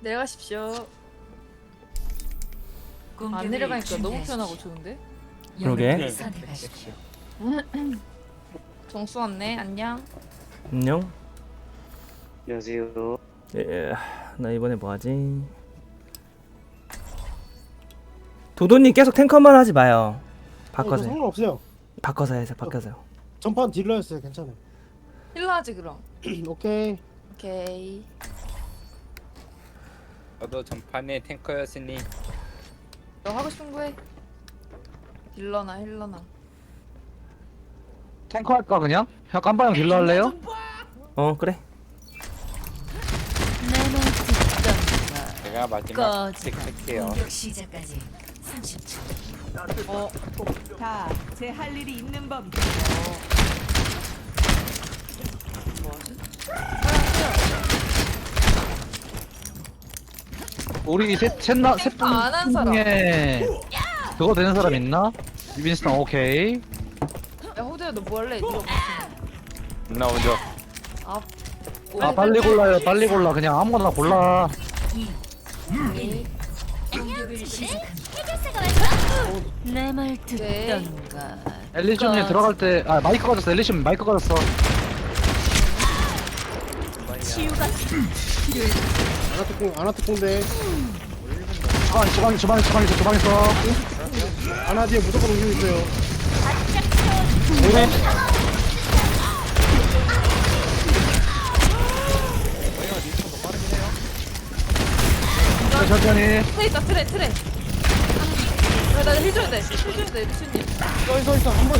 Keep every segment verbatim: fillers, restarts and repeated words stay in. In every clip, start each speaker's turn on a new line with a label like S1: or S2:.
S1: 내려가십시오. 안 내려가니까 너무 편하고 좋은데?
S2: 그러게.
S1: 정수 왔네. 안녕.
S2: 안녕.
S3: 안녕하세요.
S2: 예, 나 이번에 뭐하지? 도도님 계속 탱커만 하지 마요. 바꿔서 해.
S4: 상관없어요.
S2: 바꿔서 해서 바꿔서요.
S4: 전판 딜러였어요. 괜찮아요.
S1: 힐러 하지 그럼.
S4: 오케이.
S1: 오케이.
S5: 저도 전판에 탱커였으니
S1: 너 하고 싶은 거 해. 힐러나 힐러나.
S6: 탱커 할까 그냥? 그냥 깜방형 딜러 할래요?
S2: 어 그래.
S5: 제가 마지막 팩할게요.
S7: 공격 시작까지 삼십 초.
S1: 어.
S7: 다 제 할 일이 있는 법.
S1: 뭐하지?
S6: 우리 셋, 셋나, 셋
S1: 탱커 안한 사람.
S6: 중에 그거 되는 사람 있나? 윈스턴 오케이.
S1: 야 호두야 너 뭐 할래? 이거 무슨?
S5: 나 먼저.
S1: 아.
S6: 아 빨리 골라요 빨리 골라 그냥 아무거나 골라.
S7: 공격을 시작합니다. 내 말 듣던가.
S6: 엘리션님 들어갈 때 아 마이크 가졌어 엘리션 마이크 가졌어.
S7: 치유가
S4: 아나특공 아나특공대.
S6: 주방 주방 주방 주방 있어 주방 있어.
S4: 아나 뒤에 무조건 움직이고 있어요.
S6: 오래. 천천히.
S1: 트레 있다 트레 트레. 나힐 줘야 돼. 힐 줘야 돼 미친님.
S4: 서 있어 있어 한 번.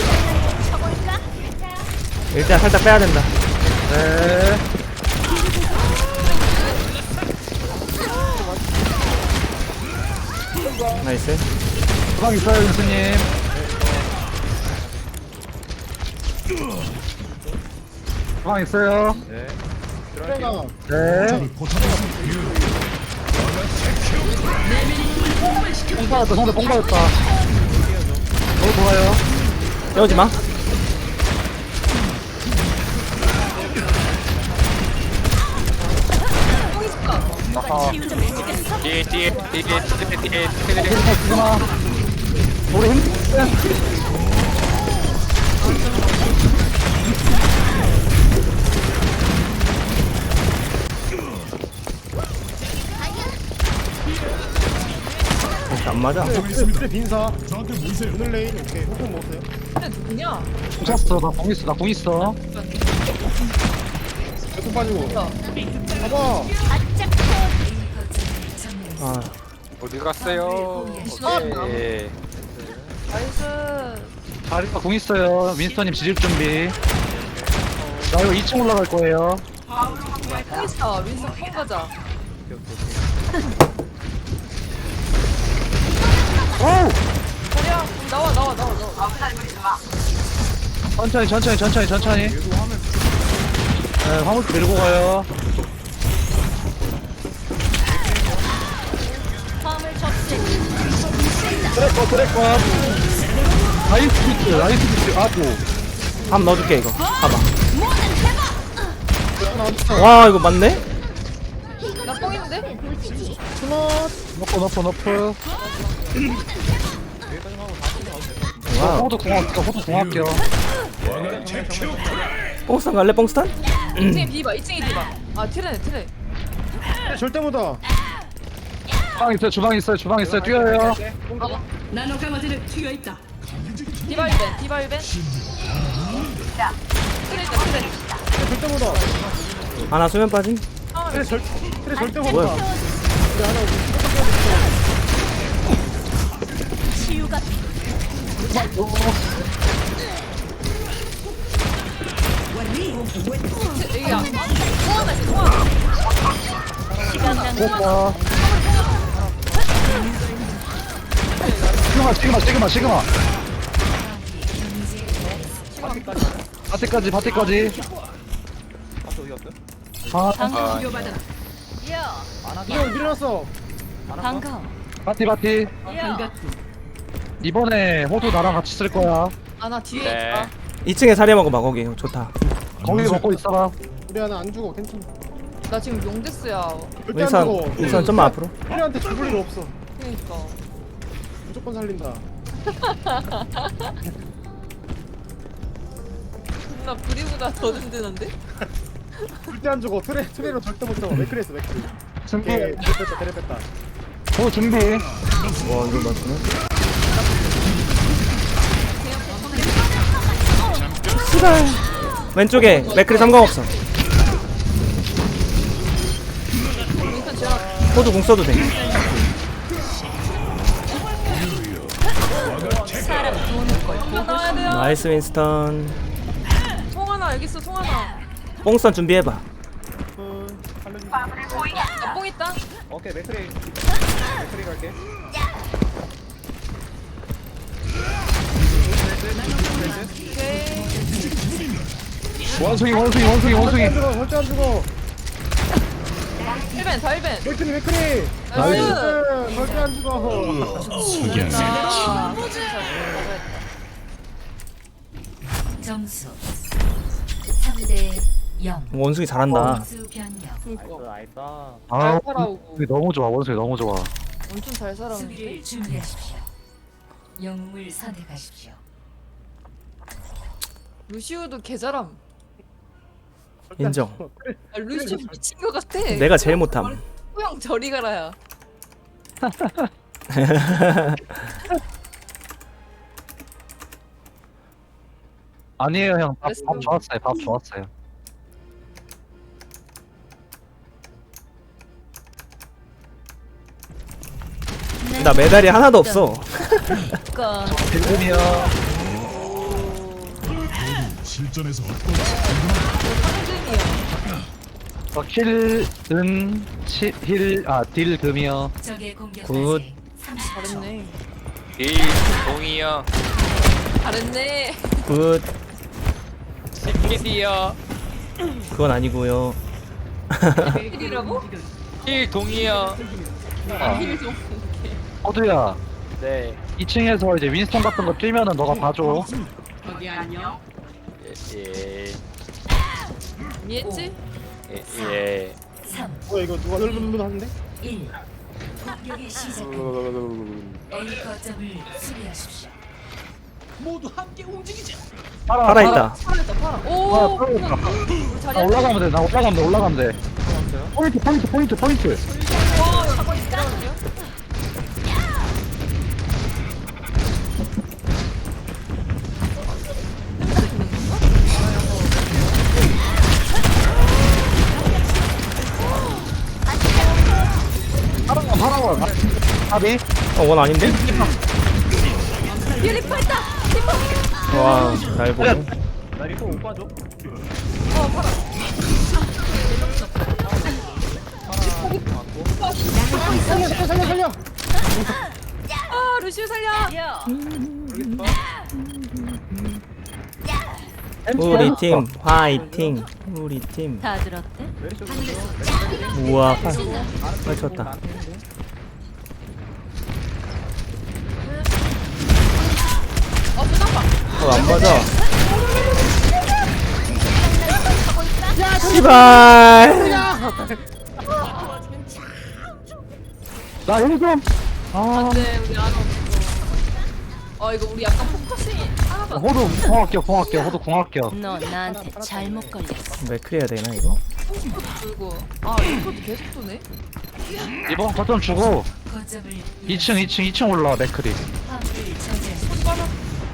S2: 일단 살짝 빼야 된다.
S6: 네.
S2: 나이스.
S6: 주방 있어요 윈스님. 주방 있어요.
S5: 네.
S4: 트레가
S6: 네. 뽕 받았다 상대 뽕 받았다. 너무 좋아요.
S2: 깨우지 마.
S5: 아하. 뒤에 뒤에 뒤에 뒤에 뒤에 뒤에.
S6: 지금아 우리 힘.
S2: 이렇게 안 맞아.
S4: 트레 트레 빈사. 오늘 레인 오케이. 호흡 먹었어요.
S1: 근데 누구냐?
S6: 붙였어 나공 있어 나공 있어.
S4: 배꼽 빠지고. 봐봐.
S2: 아
S5: 어디 갔어요? 오케이.
S1: 나이스.
S6: 자리가 공 있어요. 윈스턴님 지질 준비. 나 이거 이 층 올라갈 거예요.
S1: 뽕 있어. 윈스 뽕 가자.
S6: 오!
S1: 자리야 나와 나와 나와 나와.
S6: 천천히 천천히 천천히 천천히. 네, 화물 밀고 가요. 트래커 트래커. 라이스 비트 라이스 비트 아고.
S2: 한번 넣어줄게 이거. 봐봐. 와 이거 맞네?
S1: 나 뽕 있는데?
S6: 너프 너프 너프.
S2: 와우.
S6: 호두 공학교 호두 공학교.
S2: 뽕스탄 갈래 뽕스탄?
S1: 이 층에 비봐. 이 층에 비봐. 아 트레네 트레.
S4: 트레 절대 못와.
S6: 주방 있어요 주방 있어요 주방 있어요 뛰어요.
S7: 나노 강화제를 튀어 있다.
S1: 디바일벤 디바일벤. 트레 있다 트레.
S4: 트레 절대 못와.
S2: 하나 수면 빠짐.
S4: 트레 절 트레 절대
S2: 뭐야?
S4: 못와.
S7: 치유가
S1: 여기야. 통화나 있어 통화.
S6: 오빠. 시그마 시그마 시그마 시그마. 바티까지 바티까지. 아
S5: 아,
S4: 이거 밀어놨어.
S7: 반가워.
S6: 바티 바티. 이번에 호두 나랑 같이 쓸 거야.
S1: 아나 뒤에
S5: 네.
S1: 있다.
S2: 이 층에 자리 먹어봐 거기. 좋다.
S6: 거기 먹고 있어봐.
S4: 우리 하나 안 죽어 괜찮아.
S1: 나 지금 용데스야.
S4: 절대 안 죽어.
S2: 윈선 윈선 좀만 앞으로.
S4: 우리한테 죽을 일 없어.
S1: 그러니까.
S4: 무조건 살린다.
S1: 나 브리보다 더 든든한데?
S4: 절대 안 죽어. 트레 트레로 절대 못 잡아. 맥크리했어 맥크리.
S6: 준비.
S4: 오케이 트레 뺐다 트레 뺐다.
S6: 오 준비.
S2: 와 이거 맞네. 씨발. 왼쪽에 맥크리 삼광 없어.
S1: 윈선 제가
S2: 호두 공 써도 돼.
S1: 나와야 돼요.
S2: 나이스 윈스턴.
S1: 통 하나 여기 있어. 통 하나.
S2: 뽕선 준비해봐.
S1: 나뽕 있다.
S4: 오케이 맥크리. 맥크리 갈게.
S1: 오케이.
S6: 원숭이 원숭이 원숭이 원숭이.
S4: 절대 안 죽어. 절대 안 죽어.
S1: 일 벤, 다 일 벤.
S4: 맥크리 맥크리.
S1: 나이스.
S4: 절대 안 죽어.
S1: 잘했다.
S7: 점수 삼 대 영.
S2: 원숭이 잘한다.
S7: 수 변경.
S1: 그니까.
S6: 아
S1: 잘 살아오고.
S6: 원숭이 너무 좋아 원숭이 너무 좋아.
S1: 엄청 잘 살아오는데.
S7: 수비를 준비하십시오. 영웅을 선택하십시오.
S1: 루시우도 개잘함.
S2: 인정.
S1: 아, 루시우 미친 것 같아.
S2: 내가 제일 못함.
S1: 호영 저리 가라야.
S6: 아니에요 형. 밥,
S1: 됐어.
S6: 밥 좋았어요. 밥 좋았어요.
S2: 나 메달이 하나도 없어.
S7: 꺼.
S6: 지금이요.
S3: 실전에서
S6: 어, 힐은 힐아딜 금이요.
S7: 적의 공격
S2: 굿.
S7: 삼십 초.
S1: 잘했네.
S5: 이 동이요.
S1: 잘했네.
S2: 굿.
S5: 시키디요.
S2: 그건 아니고요.
S1: 힐이라고?
S5: 일 동이요.
S1: 아, 힐 좀.
S6: 호두야.
S5: 네.
S6: 이 층에서 이제 윈스턴 같은 거 뛰면은 너가 봐줘.
S5: 예.
S1: 이해했지?
S5: 예. 예.
S7: 삼,
S4: 뭐야 이거 누가 널널널 하는데?
S7: 일. 공격이 시작됩니다. A 거점을 수비하십시오.
S2: 살아 있다.
S1: 살아있다, 팔아.
S6: 아,
S1: 오!
S6: 그러니까.
S1: 우리 자리
S6: 나 올라가면 돼. 나 올라가면 돼. 올라가면 돼. 포인트 포인트 포인트 포인트.
S1: 와, 잠깐 있으라고요?
S6: 파란 거 파란 거. 답이?
S2: 어원 아닌데?
S1: 뒤에 리퍼 있다! 리퍼!
S2: 와, 날 보네.
S4: 나 리포 못 봐줘.
S1: 어, 팔아.
S4: 살려 살려 살려 살려.
S1: 아, 루시우 살려!
S2: 우리 팀 화이팅. 우리 팀.
S7: 다 들었대?
S2: 우와. 빨리 쳤다.
S1: 어, 수상파.
S2: 어, 안 맞아. 씨발.
S6: 나 여기 좀. 아.
S1: 네, 우리 안 없어. 어, 이거 우리 약간 포커싱이 하나도 안 돼.
S6: 호두 공학교 공학교 호두 공학교.
S7: 너 나한테 잘못 걸렸어.
S2: 맥크리 해야 되나 이거?
S1: 들고. 아, 리퍼도 계속 도네?
S6: 이번 거점 주고
S7: 거점을
S6: 이 층 이 층 이 층 올라와 맥크리.
S7: 화물을 저지하십시오.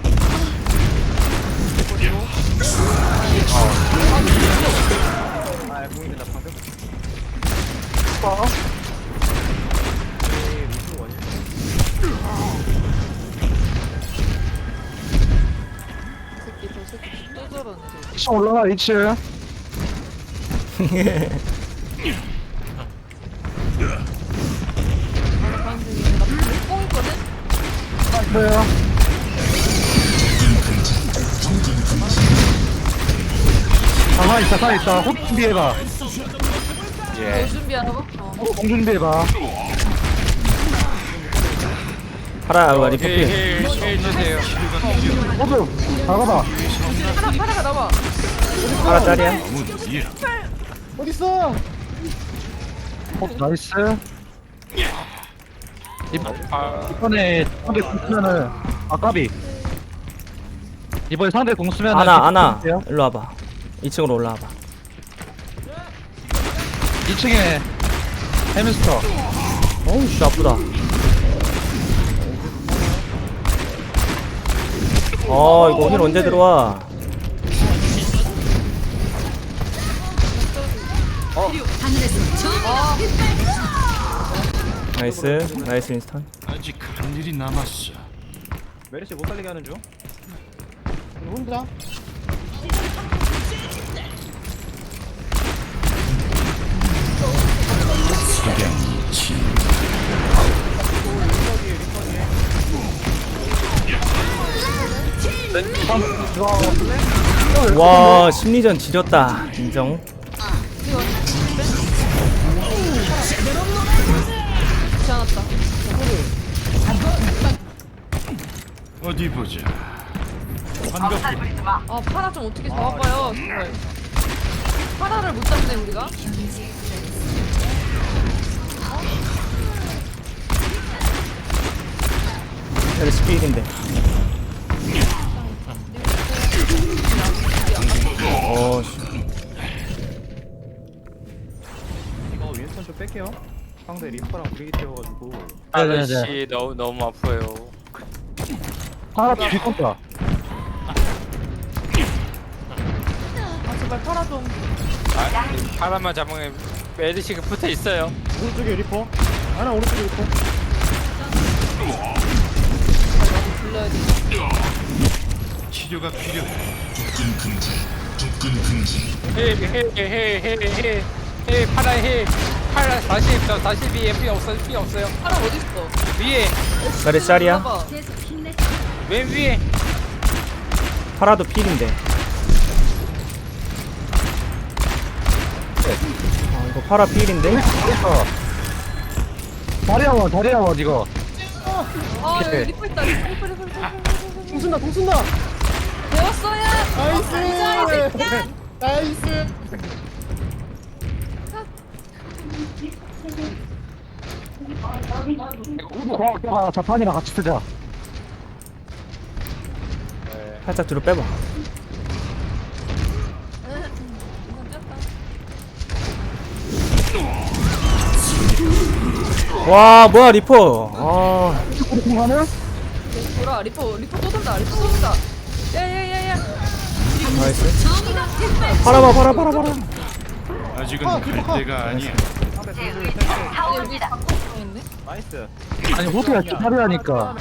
S6: 어?
S1: 이 새끼, 저 새끼 또 저러네.
S6: 이 층 올라와 이 층.
S1: 가는 중에 나 뽕 있거든?
S6: 그래요. 가만 있다 가만 있다. 호두 준비해봐.
S5: 예.
S1: 뭐 준비하라고? 어.
S6: 호두 공 준비해봐.
S2: 파라 와 리퍼 필.
S5: 힐힐 주세요.
S6: 호두 나가봐.
S1: 파라, 파라가 나와.
S2: 파라 짤이야.
S3: 아무도 뒤에
S4: 어디 있어?
S6: 어, 나이스. 이번,
S5: 아,
S6: 이번에 상대 공 쓰면은, 아, 까비. 이번에 상대 공 쓰면은.
S2: 아나 아나
S6: 비슷해요.
S2: 일로 와봐. 이 층으로 올라와봐.
S6: 이 층에 해미스터.
S2: 어우 씨 아프다. 어 이거 힐 언제 들어와? 나이스 나이스 인스턴.
S3: 아직 할 일이 남았어.
S4: 메르시 못 살리게 하는 중. 혼자.
S2: 와 심리전 지렸다. 인정.
S1: 좋지 않았다.
S3: 어디 보자. 반갑군.
S1: 아 파라 좀 어떻게 잡아봐요 정말. 파라를 못 잡네 우리가.
S2: 여기 스피드인데. 어 씨.
S4: 이거 윈스턴 좀 뺄게요. 상대 리퍼랑 브리기 뛰어가지고.
S5: 아저씨 너무 너무 아파요.
S6: 하나 뒤건다.
S1: 아 제발 파라 좀.
S5: 아, 바람만 잡으면 메르시가 붙어 있어요.
S4: 오른쪽에 리퍼. 하나 오른쪽에 리퍼.
S1: 불러야 돼.
S3: 치료가 필요해.
S5: 헤헤헤헤헤헤헤 파라 헤 파라 사십 저 사십이 피 없어 피 없어요.
S1: 파라 어디 있어?
S5: 위에
S2: 몇 짤이야?
S1: 봐봐.
S5: 맨 위에
S2: 파라도 필인데. 아 이거 파라 필인데?
S6: 그래서. 다리아원, 다리아원, 이거.
S1: 아 여기
S6: 오케이.
S1: 리퍼 있다. 리퍼 리퍼 리퍼 리퍼.
S4: 공 쏜다 공 쏜다.
S1: 배웠어야.
S4: 나이스. 나이스.
S6: 아, 자판이랑 같이 쓰자.
S2: 살짝 뒤로 빼봐. 와 뭐야 리퍼. 아
S6: 하나?
S1: 돌아 리퍼 리퍼 또 돈다. 리퍼 또 돈다. 야야야야.
S2: 나이스. 파라봐 파라 파라 파라.
S3: 아직은
S4: 아,
S3: 갈
S4: 아,
S3: 때가 아니야.
S1: 아니 여기 바꿔 있네.
S4: 나이스.
S6: 아니, 호텔 다리아니까.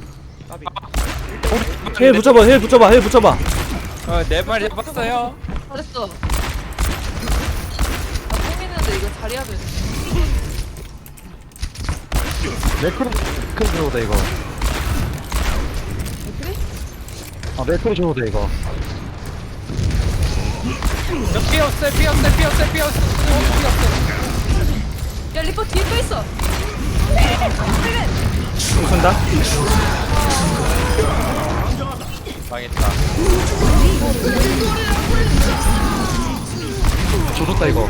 S2: 힐 붙여봐 힐 붙여봐 힐 붙여봐.
S5: 어네 마리 잡았어요.
S1: 잘했어. 아 뽕했는데 이거 자리야 돼.
S6: 매크로, 매크로 줘도 돼, 이거.
S1: 그래?
S6: 아, 매크로 줘도 돼, 이거.
S5: 저피 없어요 피 없어요 피 없어요 피 없어요 피 없어요.
S1: 야 리퍼 뒤에 또 있어.
S2: 공 쏜다.
S5: 망했다.
S6: 줘줬다, 이거.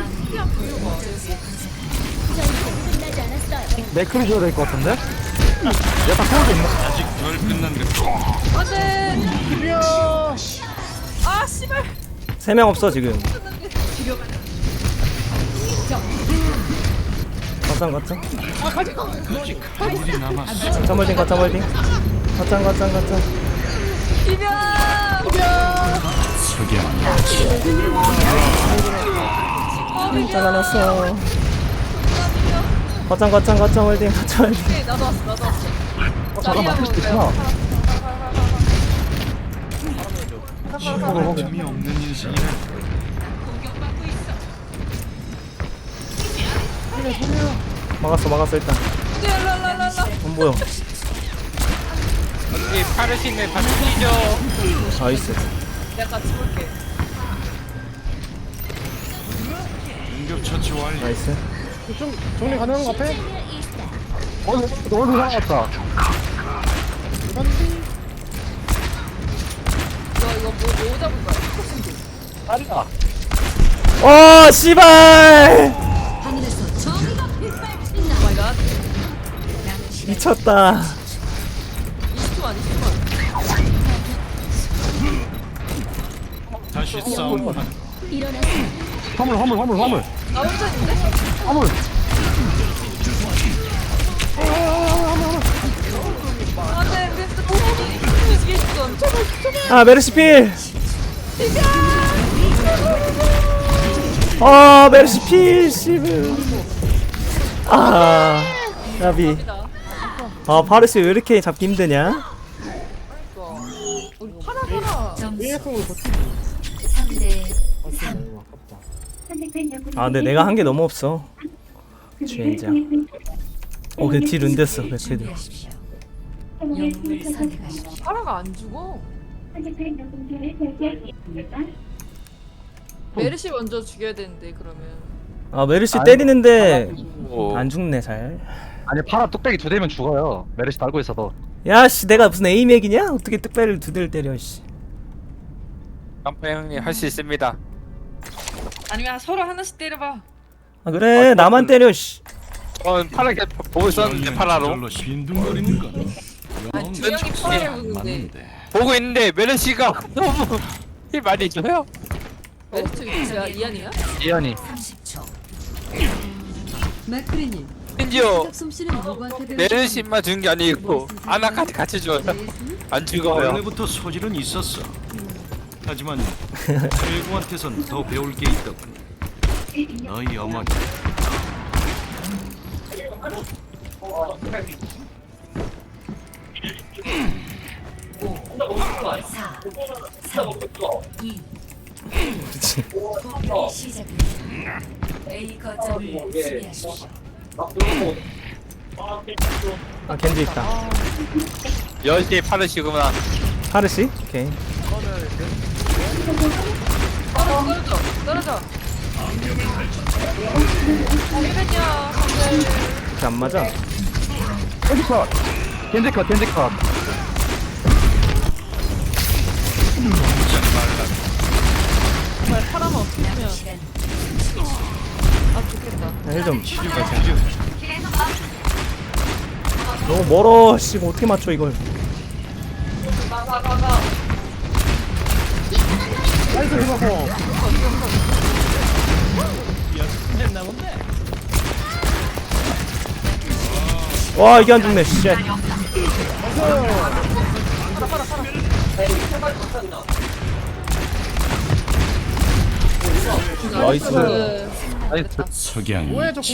S6: 매크로 줘야 될 것 같은데? 약간 소울도 있나?
S3: 아직 덜 끝난 것.
S1: 안돼.
S4: 이야.
S1: 아 씨발.
S2: 세 명 없어 지금. 거창 거창.
S3: 아직 할 일이 남았어.
S2: 거창 멀딩 거창 멀딩. 거창 거창 거창.
S1: 비벼. 어 비벼.
S2: 잘라놨어. 거창 거창 거창 멀딩 거창 멀딩.
S1: 오케이 나도 왔어 나도 왔어.
S6: 어, 잠깐만, 할수 있구나.
S3: 틈이 없는 인생이라.
S2: 막았어 막았어 일단.
S1: 랄랄랄랄라.
S2: 안 보여.
S5: 여기 파르시네 파르시죠.
S2: 나이스.
S1: 내가 같이 볼게.
S3: 응급처치 완료.
S2: 나이스.
S4: 좀 정리 가능한 거 앞에?
S6: 어, 너무 이상하다.
S1: 이거 이거 뭐, 뭐 잡을 거야?
S6: 다리아.
S2: 어 씨발.
S1: 갓.
S2: 미쳤다.
S1: 이십 초만 이십 초만.
S3: 다시 싸움하는
S6: 화물 화물 화물 화물
S1: 나 혼자 있는데?
S6: 화물.
S1: 안돼 윈스턴 뒤지겠어.
S2: 아 메르시필. 아 메르시필 씨발. 아 나비. 아 파르시 왜 이렇게 잡기 힘드냐?
S1: 우리 파라 파라.
S7: 점수 삼 대 삼.
S2: 아 근데 내가 한 게 너무 없어. 주인장. 어 근데 딜 은댔어 맥크리드.
S7: 준비하십시오. 영웅을 선택하십시오.
S1: 파라가 안 죽어. 메르시 먼저 죽여야 되는데 그러면.
S2: 아 메르시 때리는데
S5: 오.
S2: 안 죽네 잘.
S6: 아니 파라 뚝배기 두 대면 죽어요. 메르시 달고 있어도.
S2: 야씨 내가 무슨 에이맥이냐? 어떻게 뚝배를 두 대를 때려 씨.
S5: 깜파 형님 할 수 있습니다.
S1: 아니면 서로 하나씩 때려봐.
S2: 아 그래 나만 때려 씨.
S5: 전 파라 계속 보고 있었는데 파라로
S3: 절로 빈둥거리는 건
S1: 아니 두 명이 파라를 보는데
S3: 맞는데.
S5: 보고 있는데 메르시가 너무 힐 많이 줘요.
S1: 메르시 위치야 이안이야?
S6: 이현이.
S7: 삼십 초.
S8: 맥크리님,
S5: 심지어
S8: 솜씨는 누구한테 배우신
S5: 메르시만 준 게 아니고 아나까지 같이 줘요. 안 죽어요.
S3: 원래부터 소질은 있었어. 하지만 최고한테선 더 배울 게 있더군. 너희 어머니.
S7: 사, 삼, 이. 공격이 시작됩니다. A 거점을 수비하십시오.
S2: 아 겐지 있다.
S5: 열시 파르시구나.
S2: 파르시? 오케이.
S1: 떨어져 떨어져. 힐벤이야.
S2: 이렇게 안 맞아.
S6: 겐지 컷. 겐지 컷. 겐지 컷.
S1: 정말 파라만 없으면
S7: 시간
S1: 아 좋겠다.
S2: 힐좀
S3: 치료가 필요해.
S2: 너무 멀어 씨 이거 어떻게 맞춰 이걸.
S6: 나이스 리버포.
S2: 와 이게 안 죽네 씨. 나이스.
S1: 그
S6: 나이스.
S3: 석양.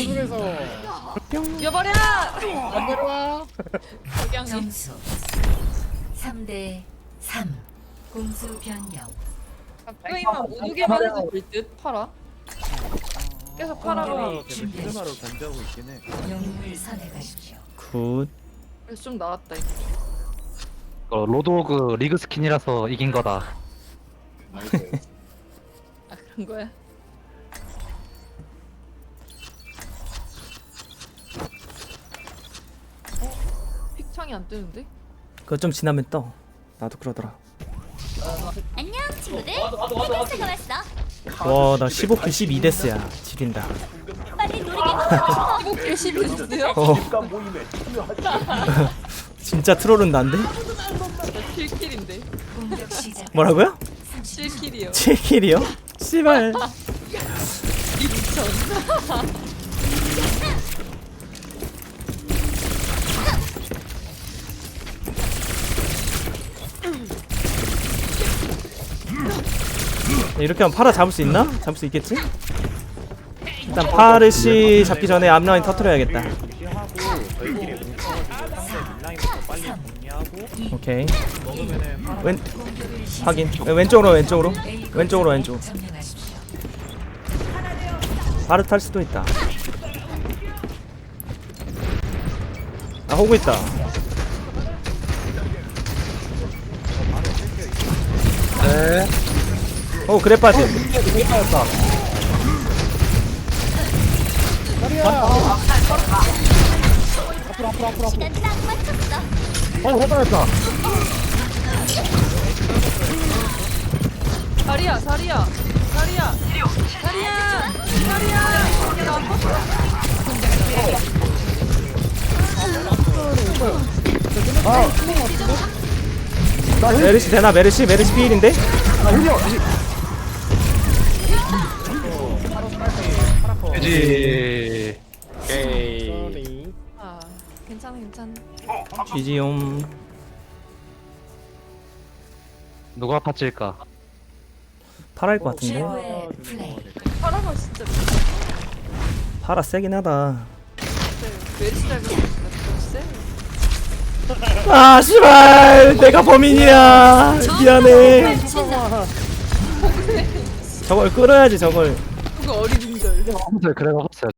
S1: 여버려. 안 내려와. 석양이.
S7: 점수 삼 대 삼. 공수 변경.
S1: 게임만 못 오게만 해도 될듯 파라. 계속 파라가
S4: 시그마로 견제하고 있긴 해.
S7: 영웅을 선택하십시오.
S2: 굿.
S1: 그래서 좀 나왔다 이거.
S6: 어, 로드오그 리그 스킨이라서 이긴 거다.
S1: 아 그런 거야? 어? 픽창이 안 뜨는데?
S2: 그거 좀 지나면 떠. 나도 그러더라.
S7: 안녕 친구들. 해결사가 왔어.
S2: 와 나 십오 킬 십이 데스야. 지린다.
S7: 빨리 놀이기
S1: 이거 개십이 됐어요?
S2: 어. 진짜 트롤은 난데?
S1: 칠 킬인데
S7: 공격 시작.
S2: 뭐라고요?
S1: 칠 킬이요.
S2: 칠 킬이요? 씨발.
S1: 이천.
S2: 이렇게 하면 파라 잡을 수 있나? 잡을 수 있겠지? 일단 파르시 잡기 전에 앞라인 터트려야겠다.
S4: 무시하고 저희끼리 뭉쳐가지고 상대 뒷라인부터 빨리 정리하고
S2: 오케이.
S4: 먹으면은 파라
S2: 왼 확인. 왼쪽으로 왼쪽으로 왼쪽으로 왼쪽.
S7: 점령하십시오.
S2: 바로 탈 수도 있다. 아 호구 있다.
S6: 네.
S2: 어 그래 빠짐.
S7: 시간 딱 맞췄어.
S6: 어, 해봐야겠다.
S1: 자리야 자리야 자리야 자리야 자리야.
S2: 메르시 되나? 메르시 메르시 필인데?
S6: 아 힐이요 그지
S5: 오케이.
S1: 아 괜찮아 괜찮아.
S2: 지지옴.
S6: 누가 파츠일까?
S2: 파라일 것 같은데?
S7: 최고의 플레이.
S1: 파라가 진짜
S2: 파라 세긴 하다.
S1: 메리시 잘 세.
S2: 아 씨발 내가 범인이야. 미안해. 저걸 끌어야지 저걸.
S1: 그거 어린 인절.
S6: 아무튼 그래 먹었어요